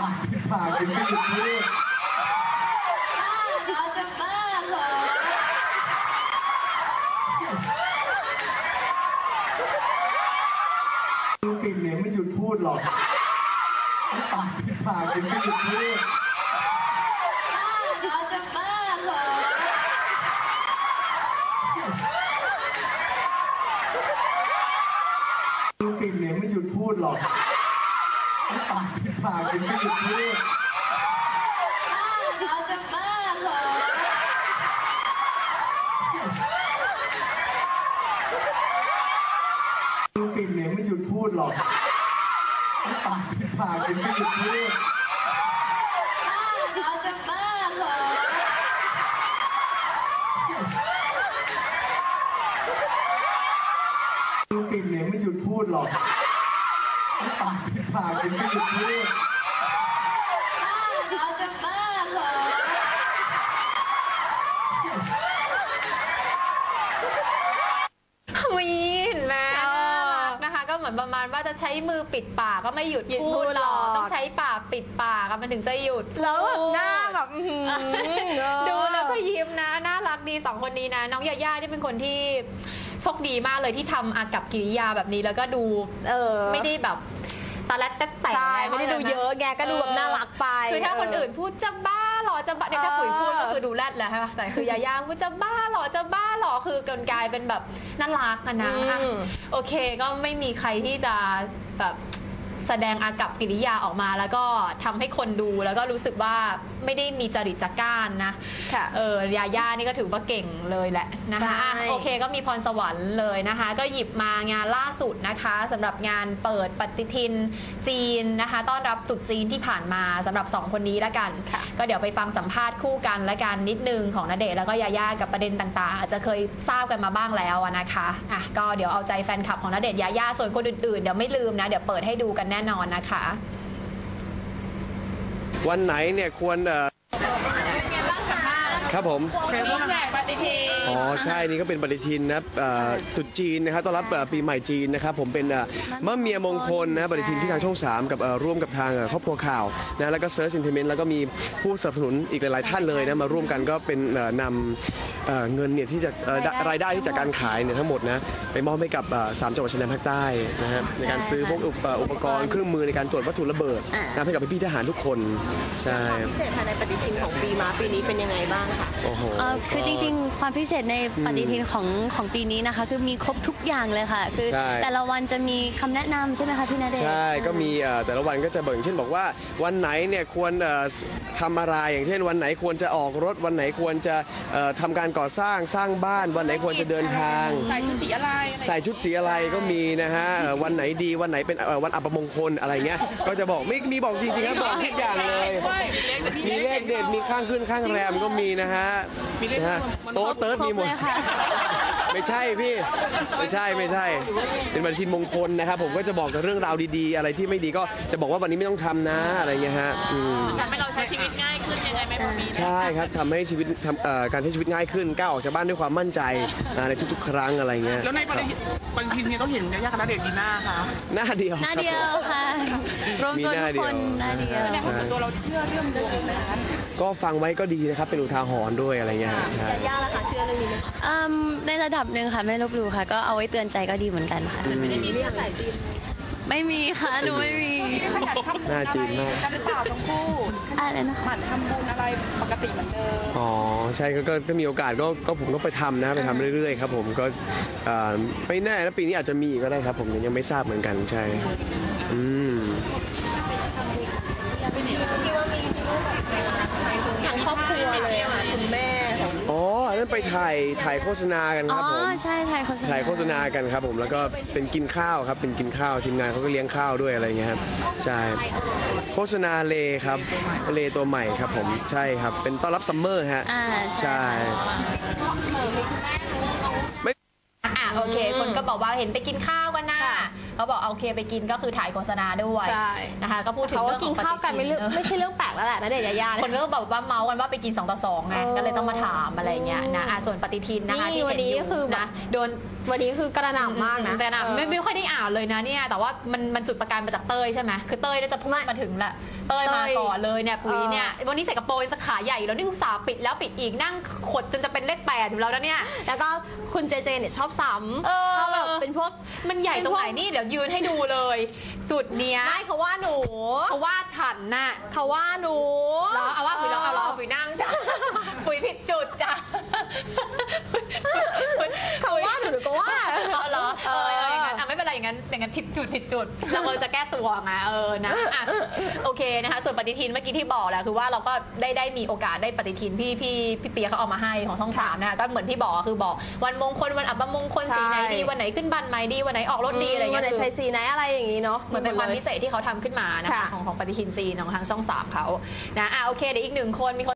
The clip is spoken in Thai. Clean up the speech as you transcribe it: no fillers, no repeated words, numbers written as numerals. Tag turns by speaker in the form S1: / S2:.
S1: ปากเป็นปากเป็นไม่หยุดพูด
S2: เราจะบ้าเหรอ
S1: ปิ่นเนี่ยไม่หยุดพูดหรอกปากเป็นปากเป็นไม่หยุดพูด
S2: เราจะบ้าเหรอ
S1: ปิ่นเนี่ยไม่หยุดพูดหรอกปากเป็นปากเป็นไม่หยุดพูด
S2: เราจะบ้าเหรอ
S1: ปิ่นเนี่ยไม่หยุดพูดหรอกปากเป็นปากเป็นไม่หยุดพูด
S2: เราจะบ้าเหรอ
S1: ปิ่นเนี่ยไม่หยุดพูดหรอกปากเป็นปากเป็นไม่หยุดพูด
S2: เราจะบ้าเหรอ
S3: วีเห็นไหมน่ารักนะคะก็เหมือนประมาณว่าจะใช้มือปิดปากก็ไม่หยุดพูดหรอกต้องใช้ปากปิดปากมันถึงจะหยุด
S4: แล้วแบบหน้าแบบ
S3: ดูแล้วก็ยิ้มนะน่ารักดีสองคนนี้นะน้องยาย่าที่เป็นคนที่โชคดีมากเลยที่ทำอากับกิริยาแบบนี้แล้วก็ดูไม่ได้แบบตาแรดแต่
S4: ไม่ได้ดูเยอะแกก็ดูแบบน่ารักไป
S3: คือถ้าคนอื่นพูดจะบ้าหรอจะบ้าเนี่ยถ้าปุ๋ยพูดก็คือดูแรดแหละใช่ไหมแต่คือยาย่าพูดจะบ้าหรอจะบ้าหรอคือกลายเป็นแบบน่ารักกันนะโอเคก็ไม่มีใครที่จะแบบแสดงอากับกิริยาออกมาแล้วก็ทำให้คนดูแล้วก็รู้สึกว่าไม่ได้มีจริตจักร้านนะยาย่านี่ก็ถือว่าเก่งเลยแหละนะคะโอเคก็มีพรสวรรค์เลยนะคะก็หยิบมางานล่าสุดนะคะสำหรับงานเปิดปฏิทินจีนนะคะต้อนรับตรุษจีนที่ผ่านมาสำหรับ2คนนี้ละกันก็เดี๋ยวไปฟังสัมภาษณ์คู่กันและกันนิดนึงของณเดชน์แล้วก็ยาย่ากับประเด็นต่างๆอาจจะเคยทราบกันมาบ้างแล้วนะคะก็เดี๋ยวเอาใจแฟนคลับของณเดชน์ยาย่าส่วนคนอื่นๆเดี๋ยวไม่ลืมนะเดี๋ยวเปิดให้ดูกันแน่นอนนะคะ
S5: วันไหนเนี่ยควรครับผม
S3: แจกปฏิทิน
S5: อ๋อใช่นี่ก็เป็นปฏิทินนะตรุษจีนนะครับต้อนรับปีใหม่จีนนะครับผมเป็นมะเมียมงคลนะปฏิทินที่ทางช่อง3กับร่วมกับทางครอบครัวข่าวนะแล้วก็เซิร์ชอินเทอร์เน็ตแล้วก็มีผู้สนับสนุนอีกหลายๆท่านเลยนะมาร่วมกันก็เป็นนำเงินเนี่ยที่จะรายได้ที่จากการขายเนี่ยทั้งหมดนะไปมอบให้กับ3จังหวัดชายแดนภาคใต้นะฮะในการซื้อพวกอุปกรณ์เครื่องมือในการตรวจวัตถุระเบิดนะให้กับพี่ทหารทุกคนใช่
S4: พิเศษภายในปฏิทินของปีม้าปีนี้เป็นยังไงบ้างคะ
S6: คือจริงๆความพิเศษในปฏิทินของปีนี้นะคะคือมีครบทุกอย่างเลยค่ะคือแต่ละวันจะมีคำแนะนำใช่ไหมคะพี่ณเดชน์
S5: ใช่ก็มีแต่ละวันก็จะบอกอย่างเช่นบอกว่าวันไหนเนี่ยควรทำอะไรอย่างเช่นวันไหนควรจะออกรถวันไหนควรจะทำการก่อสร้างบ้านวันไหนควรจะเดินทาง
S3: ใส่ชุดสี
S5: อะไรก็มีนะฮะวันไหนดีวันไหนเป็นวันอัปมงคลอะไรเงี้ยก็จะบอกมีบอกจริงๆครับบอกทุกอย่างเลยมีเลขเด็ดมีข้างขึ้นข้างแรมก็มีนะฮะโต๊ะเติร์ดมีหมดไม่ใช่พี่ไม่ใช่เป็นปฏิทินมงคลนะครับผมก็จะบอกเรื่องราวดีๆอะไรที่ไม่ดีก็จะบอกว่าวันนี้ไม่ต้องทำนะอะไรเงี้ยฮะ
S3: ทำให้เราใช้ชีวิตง่ายขึ้นยังไงไหมพี่
S5: ใช่ครับทำให้ชีวิตการใช้ชีวิตง่ายขึ้นก้าวออกจากบ้านด้วยความมั่นใจในทุกๆครั้งอะไรเงี้ย
S7: แล้วในปฏิทินนี้ต้องเห็นยาย่ากับณเดชน์ดีหน้าคะ
S5: หน้าเดียว
S6: ค่ะรวมตัวทุกคนหน้าเดียว
S3: ในส่วนตัวเราเชื่อเรื่องดวงไหมคะ
S5: ก็ฟังไว้ก็ดีนะครับเป็นอุทาหรณ์ด้วยอะไรเงี้ยใช่
S4: ยาย่าล่ะคะเชื่อเรื่องนี้ไหม
S6: ในระดับหนึ่งค่ะไม่ลบหลู่ค่ะก็เอาไว้เตือนใจก็ดีเหมือนกันค่ะ
S4: ไม่ได้มีเรื่องสายจีน
S6: ไม่มีค่ะหนูไม่มี
S5: หน้าจีนมาก
S3: หรือเปล่าทั้งคู่
S6: อะไรนะ
S3: หมั่นทำบุญอะไรปกติเหมือนเดิม
S5: อ๋อใช่ก็ถ้ามีโอกาสก็ผมก็ไปทำนะไปทำเรื่อยๆครับผมก็ไม่แน่นะปีนี้อาจจะมีก็ได้ครับผมยังไม่ทราบเหมือนกันใช่
S4: ทั้งครอบครัวเลยค่ะคุณแม่
S5: อ๋อนั่นไปถ่ายโฆษณากันครับผม
S6: ใช่ถ่าย
S5: โฆษณากันครับผมแล้วก็เป็นกินข้าวครับเป็นกินข้าวทีมงานเขาก็เลี้ยงข้าวด้วยอะไรเงี้ยครับใช่โฆษณาเลครับเลตัวใหม่ครับผมใช่ครับเป็นต้อนรับซัมเมอร์ฮะใช่
S3: โอเคคนก็บอกว่าเห็นไปกินข้าวกันนะ
S4: ค่ะ
S3: เขาบอกโอเคไปกินก็คือถ่ายโฆษณาด้วย
S4: ใช่
S3: นะคะก็พูดถึง
S4: เขา
S3: เรื่
S4: ก็
S3: อง
S4: กินข้าวกันไม่ใช่เรื่องแปลกแล้วแหละณเดชน์ยายา
S3: คนก็แบบว่าเมาส์กันว่าไปกิน2 ต่อ 2ไงก็เลยต้องมาถามอะไรเงี้ยนะส่วนปฏิทินนะคะที่
S4: วั
S3: เห็
S4: น
S3: น
S4: นี้
S3: อยู่
S4: คือ
S3: นะโดน
S4: วันนี้คือกระหน่ำมากนะ
S3: แต่นะไม่ค่อยได้อ่านเลยนะเนี่ยแต่ว่ามันจุดประกายมาจากเต้ยใช่ไหมคือเต้ยน่าจะพูดมาถึงแหละเต้ยมาก่อนเลยเนี่ยปุ๋ยเนี่ยวันนี้ใส่กระโปรงจะขาใหญ่แล้วนี่คุณสาวปิดแล้วปิดอีกนั่งขดจนจะเป็นเลข8อยู่แล้วนะเนี่ย
S4: แล้วก็คุณเจเจเนี่ยชอบซ้ำชอบแบบเป็นพวก
S3: มันใหญ่ตรงไหนนี่เดี๋ยวยืนให้ดูเลย จุดเนี้ย
S4: ไม่เขาว่าหนู
S3: เขาวาดถันน่ะ
S4: เขาว่าหนู
S3: แล้วเอาว่าปุ๋ยแล้วเอาล้อปุ๋ยนั่งจ้ะปุ๋ยผิดจุดจ้ะ
S4: เขาว่าหนูก็ว่า
S3: เอาเหรออย่างนั้นไม่เป็นไรอย่างนั้นผิดจุดเราจะแก้ตัวไงนะโอเคนะคะส่วนปฏิทินเมื่อกี้ที่บอกแหละคือว่าเราก็ได้มีโอกาสได้ปฏิทินพี่เปียเขาเอามาให้ของช่อง3นะคะก็เหมือนที่บอกคือบอกวันมงคลวันอัปมงคลสีไหนดีวันไหนขึ้นบันใหม่ดีวันไหนออกรถดีอะไรอย่าง
S4: วั
S3: เงี้
S4: น
S3: ย
S4: ไหนใส่สีไหนอะไรอย่างนี้เนาะ
S3: เหมือนเป็นความพิเศษที่เขาทำขึ้นมานะคะ
S4: ค่ะ
S3: ของปฏิทินจีนของทางช่อง3เขานะโอเคเดี๋ยวอีก1 คนมีคน